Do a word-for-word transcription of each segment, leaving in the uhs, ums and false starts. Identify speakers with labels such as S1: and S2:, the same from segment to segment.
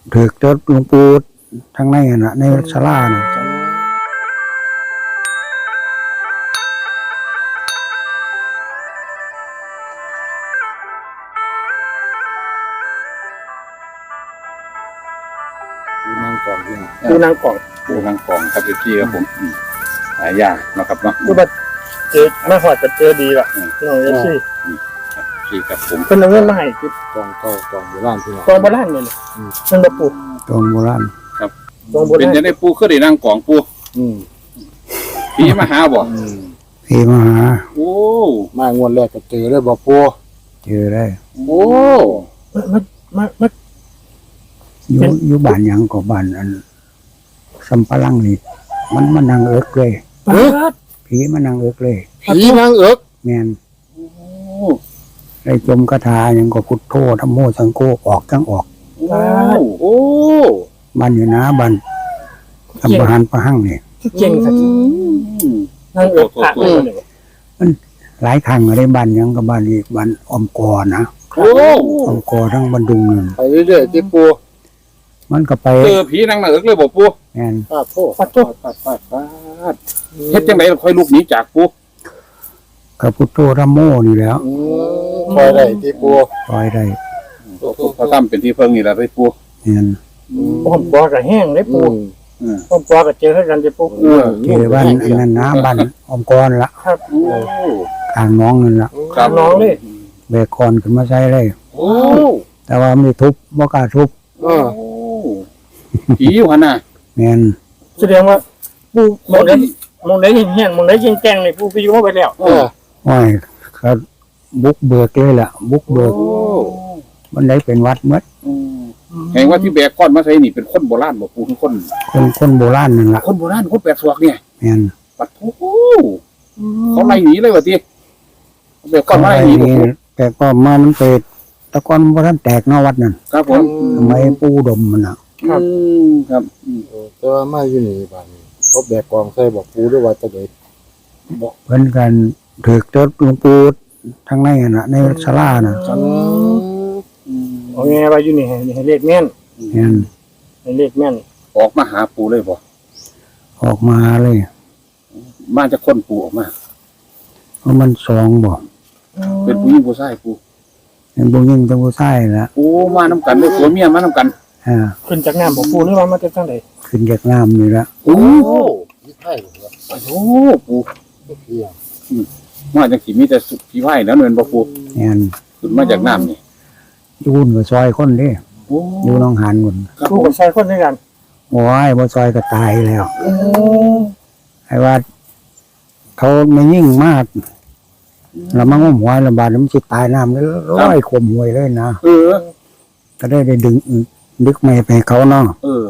S1: ถือเจ้าหลวงปู่ทางในน่ะในศาลาน่ะ
S2: ปูนางกองนี่
S3: ปูนางกล่อง
S2: ปูนางกองครับพี่ครับผมหายากนะครับเนาะ
S3: คือแบบเจอมาหอดจะเจอดีละน้องเอฟซี
S2: พี่ครับผม
S3: เป็นเอาเงินมาให้คือก
S2: องเก่ากองโบราณพี่น้อง
S3: กองโบราณเลยเนี่ยมันแบบปู
S1: ตรงโบราณ
S3: กองโบ
S2: เป็น
S3: ราณ
S2: จะได้ปูขึ้นได้นางกองปู
S4: อืม
S2: พี่มาหาบ่
S4: อืม
S1: พี่มาหา
S2: โอ้
S4: มางวดแรกก็เจอเลยบ่ปู
S1: เจอได้
S2: โอ้
S3: มันมันมัน
S1: อยู่อยู่บ้านหยังก็บ้านอันสัมปะลังนี่มันมานั่งเอิกเลย
S3: เปิด
S1: ผีมานั่งเอิกเลย
S4: ผีนางเอิก
S1: แม่น
S2: โอ้
S1: ได้จมคาถาหยังก็พุทโธธัมโมสังโฆออกทั้งออก
S2: โอ้
S1: บ้านอยู่นะบ้านทำประหารประหั่งนี่
S3: คือเก่งสักทีนางเอิบผ่านเลยเนี่ย
S1: หลายครั้งอะไรบ้านหยังกับบ้านอีกบ้านออมกอนะ
S2: โอ้
S1: ออมกอทั้งบันดุงนึง
S4: ไปเรื่อยๆที่ปู
S1: มันก็ไป
S2: เจอผีนางนาเอิกเลยบ่ปู
S1: แม่น
S4: ปาดโทษ
S3: ปัดตัว
S2: ปาดปาดปาดเฮ็ดจังได๋ค่อยลุกหนีจากปู
S1: กับพุทโธธัมโมนี่แหล้ว
S4: อืมคอยได้ที่ปู
S1: ปล่อยได้
S2: พระธรรมเป็นที่เพิ่งนี่ล่ะไปปู
S1: แม่น
S3: ผมปอกับแห้งเลยปู
S4: อืม
S2: อือ
S3: ผมปอกับเจอให้กันจะปู
S2: เออ
S1: เจอบ้านอันนั้นนะบ้านออมกอนละ
S3: ครับ
S2: โอ้
S1: ทางน้องนั่นละ
S2: ครับ
S3: น้องเลย
S1: แบกคอนขึ้นมาใช้เลย
S2: โอ้
S1: แต่ว่าไม่ทุบบ่กล้าทุบ
S4: เออ
S2: ผีอยู่หั่นน่ะ
S1: แม่น
S3: แสดงว่าปูมองได้มองได้เห็นแห้งมองได้ยิงแจ้งเลยปูไปอยู่มาไปแล้ว
S4: เออ
S1: ห้อยเขาบุกเบิกเลยล่ะ บุกเบิก
S2: โอ้
S1: มันได้เป็นวัดหมด
S2: แห่งว่าที่แบกก้อนมาใส่นี่เป็นคนโบราณบ่ปูคือคน
S1: คนคนโบราณนั่นล่ะ
S2: คนโบราณคนแปดศอกเนี่ย
S1: แม่น
S2: ปัดโอ้เขาไล่หนีเลยว่าติแบกก้อนมาไล่หนีบ่ปู
S1: แต่ก็มามันเปิดตะกอนบ่ทันแตกเนาะวัดนั่น
S2: ครับผม
S1: ทำไมปูดมมันน่ะ
S2: ครับครับ
S4: เออแต่ว่ามาอยู่นี่บ้านนี้เขาแบกกองใส่บอกปูด้วยว่าจะได้
S1: เพิ่นกันถือเจ้าหลวงปู่ทางในน่ะในศาลาน่ะ
S4: อืม
S3: เอาไงว่าอยู่นี่ให้เลขแม่น
S1: แม่น
S3: ให้เลขแม่น
S2: ออกมาหาปูเลยบ่
S1: ออกมาเลย
S2: มาจากคนปูออกมา
S1: เพราะมันสองบ่
S2: เป็นผู้หญิงผู้ชายปู
S1: เป็นผู้หญิงเป็นผู้ชายล่ะ
S2: โอ้มานํกันเลยผัวเมียมานํกัน
S1: อ่า
S3: ขึ้นจากน้ำของปูนี่ว่ามาจากทางไหน
S1: ขึ้นจากน้ำนี่ละ
S2: โอ้
S4: โอ้ยี่ไผ่เหรอ
S2: โอ้ปู
S4: เพียง
S2: มาจังสิมีแต่สุผีไผ่แล้วเนินบ่ปู
S1: แม่น
S2: ขึ้นมาจากน้ำนี่
S1: อยู่หุ่นกับซอยคนเด้
S2: โอ้
S1: อยู่หน้องหานหุ่น
S2: ครับ
S3: ปู
S2: ผม
S3: กับชายคนด้วยกัน
S1: โอ้ยบ่ซอยก็ตายแล้วไอ้ว่า เขาไม่ยิ่งมากแล้วมันงมหัวลำบากแล้วมันสิตายน้ำเลยร้อยขมหวยเลยนะ
S2: เออ
S1: ก็ได้ได้ดึงดึกไม่ไปให้เขาเนาะ
S2: เออ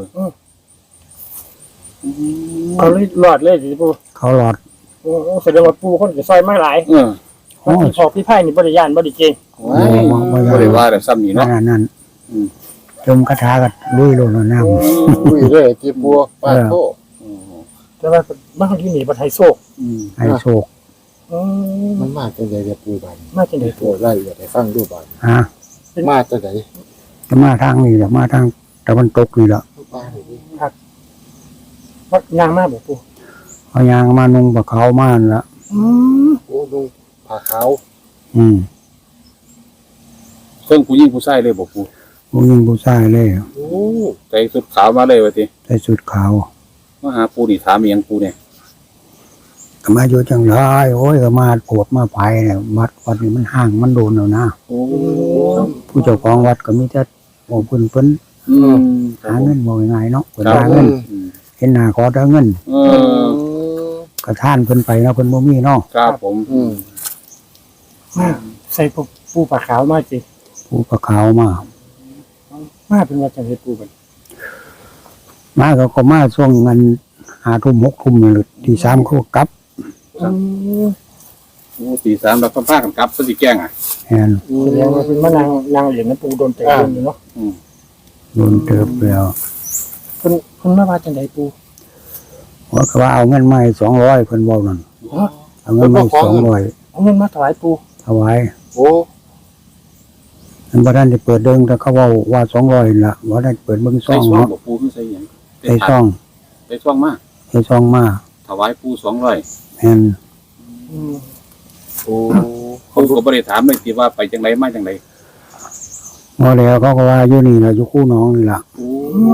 S3: เขาเลยรอดเลยสิปู
S1: เขาหลอด
S3: โอ้แสดงว่าปูคนกับซอยไม่หลาย
S2: เออ
S3: มันสิพอพี่ไพ่นี่บริยานบริเจง
S2: ว้ายบ่ได้ว่าแต่ซ้ำนี่
S1: ข
S2: เนาะ
S1: นาดนั้น
S2: อืม
S1: จมคาถาก็ลุยลงน้ำ
S4: คุยเลยที่ปูปาดโทษ
S3: แต่ว่าบ้านที่นี่บันไทโซก
S2: อืม
S1: ให้โชค
S3: อืม
S4: มันมาจังได๋ปูบ้าน
S3: มาจากไหน
S4: ปูไล่อย่าไปฟังดูบ้าน
S1: ฮะ
S4: มาจังได๋
S1: จะมาทางนี้แหละมาทางตะวันตกนี่แหละ
S4: ป้านี่ดิ
S3: วัดยางมาบอกปู
S1: เอายางมานุ่งปะเขาม่านละ
S3: อืม
S4: โอ้ดูผ้าขาว
S1: อืม
S2: เครื่องผู้หญิงผู้ชายเลยบ่ปู
S1: ผู้หญิงผู้ชายเลย
S4: โอ้
S2: ใส่สุดขาวมาเลยว่าติ
S1: ใส่ชุดขาว
S2: มาหาปูนี่ถามอีหยังปูเนี่ย
S1: ก็มาอยู่จังไรโอ้ยก็มาปวดมาไผ่เนี่ยวัดวัดนี่มันห่างมันโดนแล้วนะ
S2: โอ้
S1: ผู้เจ้าของวัดก็มีแต่บอกเพิ่นเพิ่น
S2: อืม
S1: หาเงินบอกง่ายๆเนาะเพิ่น
S2: ครับ
S1: หาเงิน
S2: อืม
S1: เห็นหน้าขอแต่เงิน
S2: เออ
S1: ก็ท่านเพิ่นไปเนาะเพิ่นบ่มีเนาะ
S2: ครับผม
S4: อืม
S3: มาใส่ปูปูปลาขาวมาสิ
S1: ผู้ประขาวมา
S3: มาเป็นว่าจังไดปูมัน
S1: มาก็ก็มาช่วงเงินหาทุ่มหกทุ่มนี่แหละที่สามเขาก็กลับ
S3: อืม
S2: โอ้ตีสามเราก็พากันกลับซะสิแกล้งอ่ะ
S1: แม่น
S3: แสดงว่าเป็นมานางนางเหรียญนะปูโดนเตะโดนอยู่เนาะ
S1: โดนเติบแล้ว
S3: เพิ่นเพิ่นมาว่าจังไดปู
S1: ว่าก็ว่าเอาเงินมาให้สองร้อยเพิ่นบอกนั่น
S3: ฮะ
S1: เอาเงินมาให้สองร้อย
S3: เอาเงินมาถวายปู
S1: ถวาย
S4: โอ้
S1: เอมันบ่ได้ได้เปิดเดิงแต่เขาเว้าว่าสองร้อยล่ะบ่ได้เปิดเบิ่งซ่
S2: ใส่
S1: อง
S2: ซอง
S1: เนาะ
S2: บ่ปูคือใส่หยัง
S1: ใส่ซ่อง
S2: ใส่ซองมา
S1: ใส่ซ่องมา
S2: ถวายปูสองร้อย
S1: แม่น
S4: โอ้
S2: ปูก็บ่ได้ถามเลยที่ว่าไปจังไดมาจังได
S1: บ่แล้วเขาก็ว่าอยู่นี่ล่ะอยู่คู่น้องนี่ล่ะ
S2: โอ้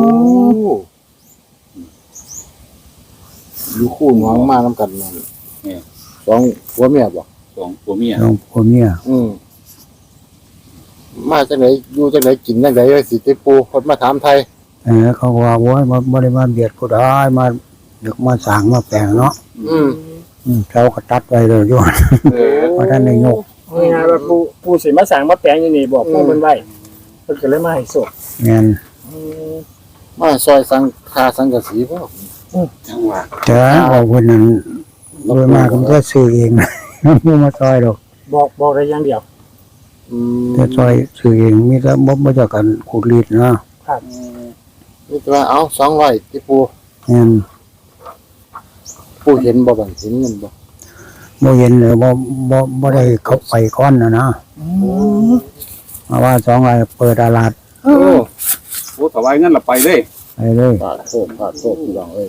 S4: อยู่คู่น้องมาน้ำกันนั่นสองผัวเมียบ่
S2: สองผัวเมีย
S1: น้องพ่อเมีย
S4: อืมมาจากไหนอยู่จากไหนกินจากไหนสิติปูคนมาถามไทย
S1: เออเขาก็ว่าโอ้ยบ่บ่ได้มาเบียดผู้ใดมาดึกมาสร้างมาแปลงเนาะ
S4: อืม
S1: อืมเขาก็ตัดไว้เลยอยู่
S2: เออ
S1: เพราะท่านได้ยก
S3: ง่ายๆว่าปูปูสิมาสั่งมาแปลงอยู่นี่บอกปูเพิ่นไว้เพิ่นก็เลยมาให้โชค
S1: แม่น
S4: มาซอยสังคาสังกะสีบ่
S2: จังหวะ
S1: แต่บอกเพิ่นนั้นโดยมากมันก็ซื้อเอง บ่มาซอยดอก
S3: บอกบอกได้อย่างเดียว
S4: อืม
S1: แต่ซอยซื้อเองมีแต่บ่บ่เจากกันขูดรีดเนาะ
S4: นี่ว่าเอาสองร้อยติปู
S1: แม่น
S4: ปูเห็นบ่บังเห็นเงินบ่
S1: บ่เห็นเลยบ่บ่บ่ได้เข้าไปก่อนน่ะนะมาว่าสองร้อยเปิดตลาด
S2: โอ้โอ้ถวายเงินละไปเลย
S1: ไปเลย
S4: ปาดโทษปาดโทษพี่น้องเอ้ย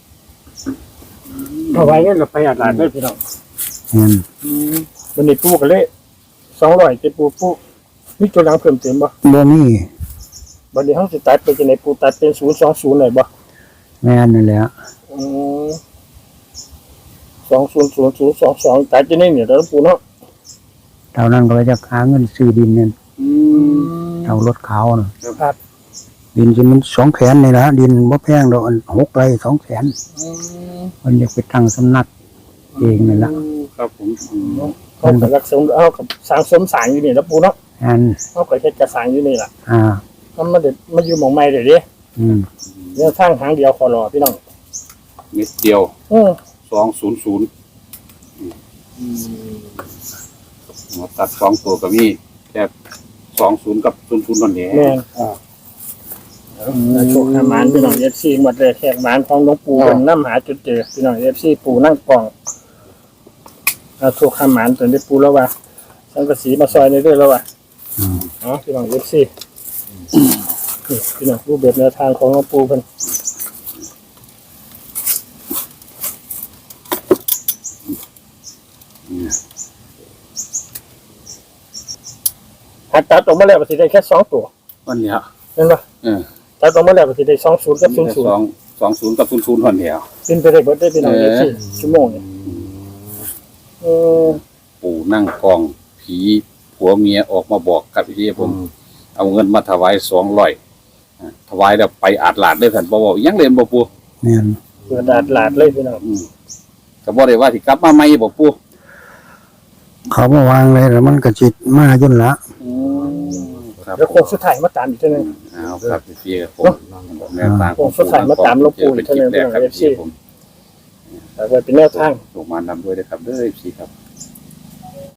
S3: เอาไว้เงินก็ไปอาดหลานเด้อพี่น้อง
S1: แม่น
S3: วันนี้ปูก็เลยสองร้อยติปูปูมีตัวหลังเพิ่มเติมบ่
S1: บ่มี
S3: บัดนี้เฮาสิตัดไปจังได๋ปูตัดเป็นศูนย์สองศูนย์ได้บ่
S1: แม่นนั่นแหละ
S3: อืมสองศูนย์ศูนย์ศูนย์สองสองตัดจังได๋เนี่ยเด้อปูเนาะ
S1: เท่านั้นก็ไปจะหาเงินซื้อดินนั่น
S2: อืม
S1: เอารถขาวน่ะ
S3: ครับ
S1: ดินสิมันสองแสนนี่ล่ะดินบ่แพงดอกอันหกไร่สองแสนเพิ่นอยากไปตั้งสำนักเองนั่นล่ะ
S2: ครับผมอืม
S3: เขาก็รักสมเอากับสร้างสมสร้างอยู่นี่แล้วปูเนาะ
S1: อัน
S3: เขาก็เฮ็ดกระสร้างอยู่นี่ล่ะ
S1: อ่า
S3: มันมาเด็ดมาอยู่หม่องใหม่เด้อเด้
S1: อืม
S3: เรื่องทางหางเดียวขอรอพี่น้อง
S2: เม็ดเดียว
S3: อือ
S2: สองศูนย์ศูนย์มาตัดสองตัวก็มีแค่สองศูนย์กับศูนย์ศูนย์นั่นเอง
S3: แม่นอ่าโชคหามานพี่น้อง เอฟ ซี หมดเลยแขกหมานของหลวงปู่เพิ่นนำหาจุดเจอพี่น้อง เอฟ ซี ปู่นั่งกล่องเอาโชคหามานตัวนี้ปู่แล้วว่าสังกะสีมาซอยในเรื่อยแล้วว่า
S1: อืม
S3: อ๋อพี่น้อง เอฟ ซี นี่พี่น้องรูปแบบแนวทางของหลวงปู่เพิ่นหัดตัดออกมาแล้วก็สิได้แค่สองตัว
S2: วันเนี้ย
S3: เห็นป่ะ
S2: เออ
S3: ตัดออกมาแล้วก็สิได้สองศูนย์กับศูนย์ศูน
S2: สอ
S3: ย์
S2: งสองศูนย์กับศูนย์ศูนย์วันเดียว
S3: เป็นไปได้เบิดได้พี่น้อง
S2: เอ
S3: เอ
S2: อ
S3: ฟซีชั่วโมงเนี่ยเออ
S2: ปู่นั่งกองผีผัวเมียออกมาบอกกับพี่ผม เอาเงินมาถวายสองร้อยถวายแล้วไปอาดหลาดได้ท่านบ่บอกยังเรียนบ่ปู่
S1: แม่น
S3: เปิดดาดหลาดเลยพี่น้อง
S2: อืมก็บ่ได้ว่าสิกลับมาใหม่บ่ปู่
S1: เขามาวางเลยแล้วมันก็จิตมาจนละ
S2: อืมครับ
S3: แล้วโค้งสุดท้ายมาตามอีกเท่านึง
S2: เอาครับพี่ครับผมแนวทาง
S3: โอ้สุดท้ายมาตามหลวงปู่อีกเท่านั้น
S2: เป็นคลิปแรกครับ
S3: เอฟซี
S2: พี่ผม
S3: แต่ว่าเป็นแนวทาง
S2: ส่งมานำด้วยนะครับเด้อพี่ครับ